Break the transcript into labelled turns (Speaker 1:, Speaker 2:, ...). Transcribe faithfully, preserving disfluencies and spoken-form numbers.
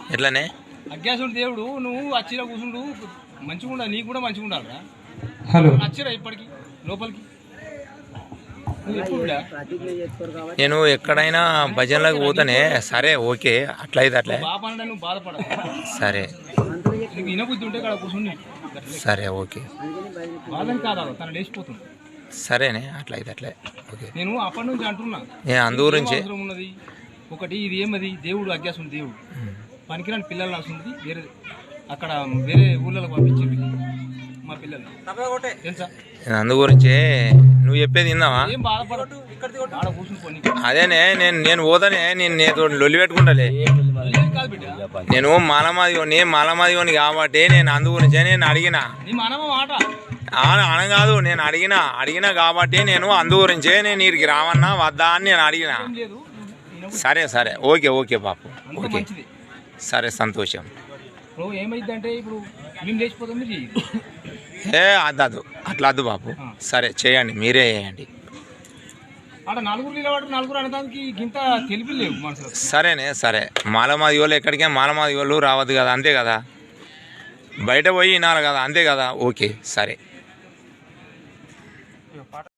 Speaker 1: ఎట్లానే
Speaker 2: అజ్ఞాసుడు దేవుడు నువ్వు అచ్చిరా కూర్చుండు మంచిగా ఉండాలి, నీకు కూడా మంచిగా ఉండాలిరా.
Speaker 3: హలో
Speaker 2: అచ్చిరా ఇప్పటికి లోపలికి
Speaker 1: నేను ఎక్కడైనా భజనలకు పోతానే. సరే ఓకే, అట్లయితే అట్లే
Speaker 2: బాపంటే నువ్వు బాధపడదు.
Speaker 1: సరే
Speaker 2: నీకు వినబుద్ధి ఉంటే ఇక్కడ కూర్చుని
Speaker 1: సరే ఓకే.
Speaker 2: బాధని కాదా తన లేచిపోతుంది.
Speaker 1: సరేనే అట్లయితే అట్లే ఓకే.
Speaker 2: నేను అప్పటి నుంచి అంటున్నా
Speaker 1: నేను అందు గురించి
Speaker 2: అవసరం ఉన్నది ఒకటి. ఇది ఏమది దేవుడు అజ్ఞాసుడు దేవుడు పనికిరాని పిల్లలు వస్తుంది. వేరే అక్కడ వేరే ఊళ్ళలో పంపించింది మా పిల్లలు తెలుసా.
Speaker 1: అందు గురించి నువ్వు చెప్పేది విన్నావా?
Speaker 2: ఏం బాధపడదు, ఆడ కూర్చుని పోనీ.
Speaker 1: అదేనే నేను నేను పోతానే. నేను నేను లొల్లి పెట్టుకుంటాలే.
Speaker 2: కాదు బిడ్డ,
Speaker 1: నేను మాలమాదిగోని మాలమాదిగోని కాబట్టి నేను అందు గురించే నేను అడిగిన.
Speaker 2: నీ మనమ మాట
Speaker 1: అన కాదు, నేను అడిగిన అడిగిన కాబట్టి నేను అందు గురించే నేను వీరికి రావన్నా వద్దా అని నేను అడిగిన.
Speaker 2: ఏం లేదు.
Speaker 1: సరే సరే ఓకే ఓకే బాపు
Speaker 2: అంత
Speaker 1: ఓకే
Speaker 2: మంచిది.
Speaker 1: సరే సంతోషం.
Speaker 2: ఇప్పుడు ఏమైందంటే ఇప్పుడు మేము లేచిపోతాం, మీరు చెయ్యి.
Speaker 1: ఏ అద్దదు అట్లా అద్దు బాపు. సరే చేయండి, మీరే చేయండి.
Speaker 2: ఆడ నలుగురు నిలబడి నలుగురు అనడానికి ఇంత తెలిపి లేవు మనసులో.
Speaker 1: సరేనే సరే. మాలమాది వాళ్ళు ఎక్కడికే మాలమాది వాళ్ళు రావద్దు కదా, అంతే కదా. బయట పోయి వినాలి కదా, అంతే కదా. ఓకే సరే.